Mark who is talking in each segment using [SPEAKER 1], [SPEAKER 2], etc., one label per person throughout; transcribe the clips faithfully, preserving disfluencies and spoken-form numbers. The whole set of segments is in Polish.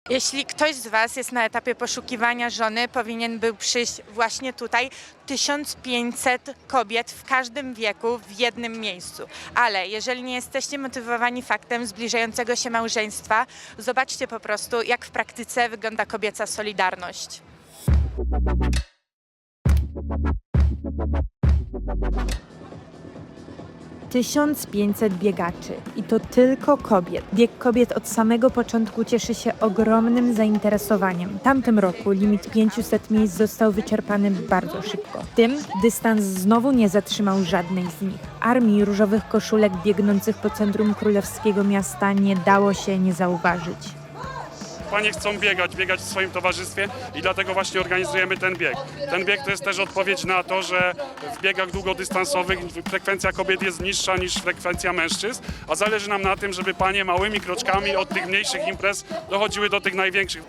[SPEAKER 1] Jeśli ktoś z Was jest na etapie poszukiwania żony, powinien był przyjść właśnie tutaj. tysiąc pięćset kobiet w każdym wieku w jednym miejscu. Ale jeżeli nie jesteście motywowani faktem zbliżającego się małżeństwa, zobaczcie po prostu, jak w praktyce wygląda kobieca solidarność.
[SPEAKER 2] tysiąc pięćset biegaczy i to tylko kobiet. Bieg kobiet od samego początku cieszy się ogromnym zainteresowaniem. W tamtym roku limit pięciuset miejsc został wyczerpany bardzo szybko. Tym dystans znowu nie zatrzymał żadnej z nich. Armii różowych koszulek biegnących po centrum królewskiego miasta nie dało się nie zauważyć.
[SPEAKER 3] Panie chcą biegać, biegać w swoim towarzystwie i dlatego właśnie organizujemy ten bieg. Ten bieg to jest też odpowiedź na to, że w biegach długodystansowych frekwencja kobiet jest niższa niż frekwencja mężczyzn, a zależy nam na tym, żeby panie małymi kroczkami od tych mniejszych imprez dochodziły do tych największych.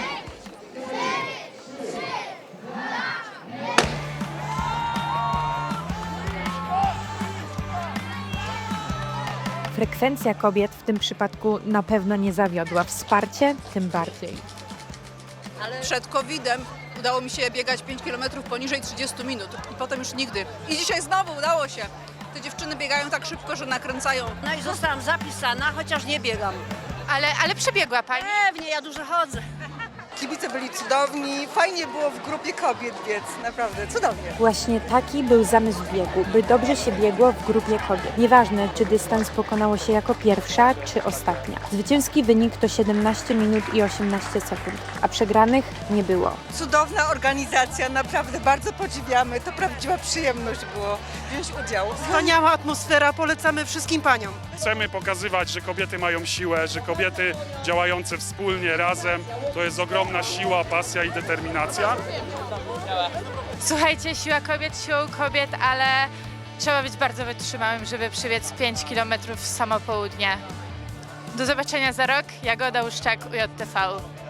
[SPEAKER 2] Frekwencja kobiet w tym przypadku na pewno nie zawiodła. Wsparcie tym bardziej.
[SPEAKER 4] Przed kowidem udało mi się biegać pięć kilometrów poniżej trzydziestu minut i potem już nigdy. I dzisiaj znowu udało się. Te dziewczyny biegają tak szybko, że nakręcają.
[SPEAKER 5] No i zostałam zapisana, chociaż nie biegam.
[SPEAKER 1] Ale, ale przebiegła Pani.
[SPEAKER 5] Pewnie, ja dużo chodzę.
[SPEAKER 6] Kibice byli cudowni, fajnie było w grupie kobiet biec, naprawdę cudownie.
[SPEAKER 2] Właśnie taki był zamysł biegu, by dobrze się biegło w grupie kobiet. Nieważne, czy dystans pokonało się jako pierwsza, czy ostatnia. Zwycięski wynik to siedemnaście minut i osiemnaście sekund, a przegranych nie było.
[SPEAKER 6] Cudowna organizacja, naprawdę bardzo podziwiamy, to prawdziwa przyjemność było wziąć udział.
[SPEAKER 7] Wspaniała atmosfera, polecamy wszystkim paniom.
[SPEAKER 3] Chcemy pokazywać, że kobiety mają siłę, że kobiety działające wspólnie, razem, to jest ogromna siła, pasja i determinacja.
[SPEAKER 1] Słuchajcie, siła kobiet, siłą kobiet, ale trzeba być bardzo wytrzymałym, żeby przebiec pięć kilometrów w samo południe. Do zobaczenia za rok. Jagoda Łuszczak, U J T V.